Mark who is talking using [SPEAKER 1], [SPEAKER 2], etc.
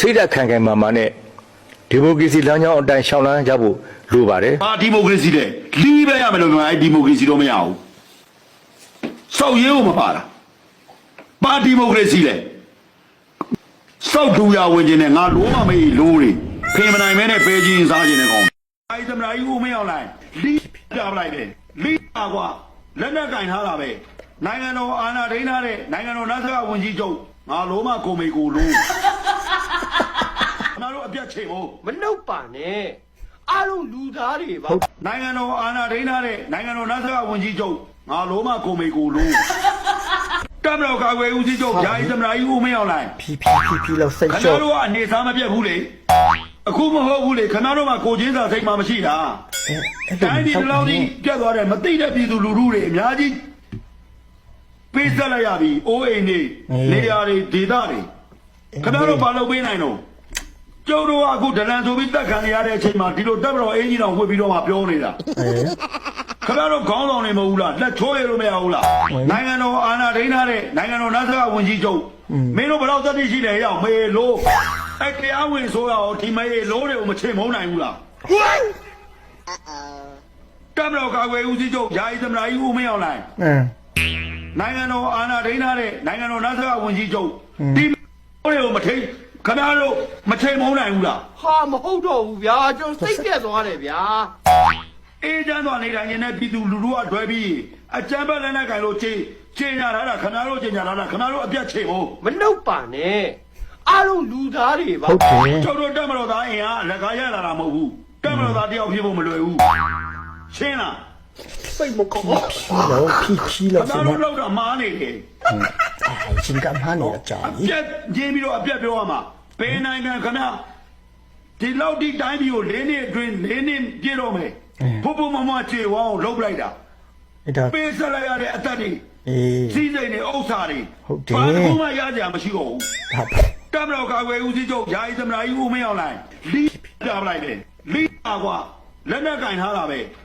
[SPEAKER 1] စိတ်ဓာတ်ခံခံမာမာနဲ့ဒီမိုကရေစီလမ်းကြောင်းအတိုင်းရှောင်လန်းကြဖို့လိုပါတယ်
[SPEAKER 2] ဘာဒီမိုကရေစီလဲလီးပဲရမယ်လို့ပြောအဲ့ဒီမိုကရေစီတော့မရဘူးစောက်ရဲကိုမပါတာဘာဒီမိုကရေစီလဲစောက်တူရဝင်ခြင်းနဲ့ငါလိုမမေးလိုတွေဖေမနိုင်မဲနဲ့ပဲကြီးစားခြင်းနဲ့ကောင်းအဲ့သမရာကြီးဦးမင်းအောင်လိုက်လီးကြပလိုက်တယ်လီးပါကွာလက်နဲ့ကင်ထားတာပဲနိုင်ငံတော်အာဏာထိန်းထားတဲ့နိုင်ငံတော်နတ်စကဝန်ကြီးချုပ်ငါလိုမကိုမေကိုလိုငါတို့အပြတ်ချိန်ဖို့
[SPEAKER 3] မနှုတ်ပါနဲ့အားလုံးလူသားတွေပါ
[SPEAKER 2] နိုင်ငံတော်အာဏာထိန်းထားတဲ့နိုင်ငံတော်နတ်စကဝန်ကြီးချုပ်ငါလိုမကိုမေကိုလိုတပ်မတော်ကာကွယ်ဦးစီးချုပ်ယာယီသမ္မတကြီးဦးမင်းအောင်လိုက်
[SPEAKER 1] ဖြီလောက်စိတ်
[SPEAKER 2] ခင်
[SPEAKER 1] လျှော့
[SPEAKER 2] ဗျားတို့ကအနေစားမပြတ်ဘူးလေအခုမဟုတ်ဘူးလေခင်ဗျားတို့ကကိုချင်းစာစိတ်မှမရှိတာတိုင်းပြည်လောက်ကြီးပြတ်သွားတယ်မသိတဲ့ပြည်သူလူထုတွေအများကြီးပေးဆက်လိုက်ရပြီအိုးအိမ်တွေနေရာတွေဒေသတွေခင်ဗျားတို့ဘာလုပ်ပေးနိုင်တော့ကျုပ်တို့ကအခုဒလန်ဆိုပြီးတက်ခံရတဲ့အချိန်မှာဒီလိုတပ်မတော်အင်ဂျင်တော်ဝှက်ပြီးတော့မှပြောနေတာခင်ဗျားတို့ခေါင်းဆောင်နေမဟုတ်ဘူးလားလက်ချိုးရလို့မရဘူးလားနိုင်ငံတော်အာဏာထိန်းထားတဲ့နိုင်ငံတော်နတ်စကဝန်ကြီးချုပ်မင်းတို့ဘယ်တော့သတိရှိလဲရောက်မေလို့အဲ့တရားဝင်ဆိုရအောင်ဒီမေလို့တွေကိုမချိန်မုန်းနိုင်ဘူးလားတပ်မတော်ကာကွယ်ဦးစီးချုပ်ယာယီသမ္မတကြီးဦးမင်းအောင်လိုက်နိုင်ငံတော်အာဏာထိန်းထားတဲ့နိုင်ငံတော်နတ်စကဝန်ကြီးချုပ်ဒီတွေကိုမထိန်ခင်ဗျားတို့မချိန်မုန်းနိုင်ဘူးလား
[SPEAKER 3] ဟာမဟုတ်တော့ဘူးဗျာကျွန်တော်စိတ်ပြက်သွားတယ်ဗျာ
[SPEAKER 2] အေးချမ်းသွားနေတိုင်းနဲ့ပြည်သူလူထုကတွဲပြီးအကြမ်းဖက်လက်နက်ကင်လို့ချိန်ညာထားတာခင်ဗျားတို့ချိန်ညာထားတာခင်ဗျားတို့အပြတ်ချိန်ဖို့
[SPEAKER 3] မနှုတ်ပါနဲ့အားလုံးလူသားတွေပါ
[SPEAKER 1] ဟုတ်တယ်
[SPEAKER 2] ကျုပ်တို့တက်မတော်သားအင်အားလက်ကားရလာတာမဟုတ်ဘူးတက်မတော်သားတယောက်ဖြစ်ဖို့မလွယ်ဘူးရှင်းလား
[SPEAKER 3] စိတ်မကောင်း
[SPEAKER 1] လောက်ဖြီလောက်
[SPEAKER 2] ခင်ဗျားတို့လောက်တာမားနေတယ်
[SPEAKER 1] ရှင်ကမှန်းနေကြပြီ
[SPEAKER 2] ပြက်ကျင်းပြီးတော့အပြတ်ပြောရမှာဘယ်နိုင်ငံခင်ဗျာဒီလောက်ဒီတိုင်းပြည်ကို၄နှစ်အတွင်း၄နှစ်ပြည့်တော့မယ်ဖို့ဖို့မမချေဝအောင်လှုပ်လိုက်တာ
[SPEAKER 1] အဲ့ဒါ
[SPEAKER 2] ပေးဆက်လိုက်ရတဲ့အသက်တွေစီးစိမ်တွေဥစ္စာတွေ
[SPEAKER 1] ဟုတ်တယ်
[SPEAKER 2] ဘာမှမရကြမရှိတော့ဘူးတပ်မတော်ကာကွယ်ဦးစီးချုပ်ယာယီသမ္မတကြီးဦးမင်းအောင်လိုက်လီးကြပလိုက်တယ်လီးပါကွာလက်နဲ့ကင်ထားတာပဲ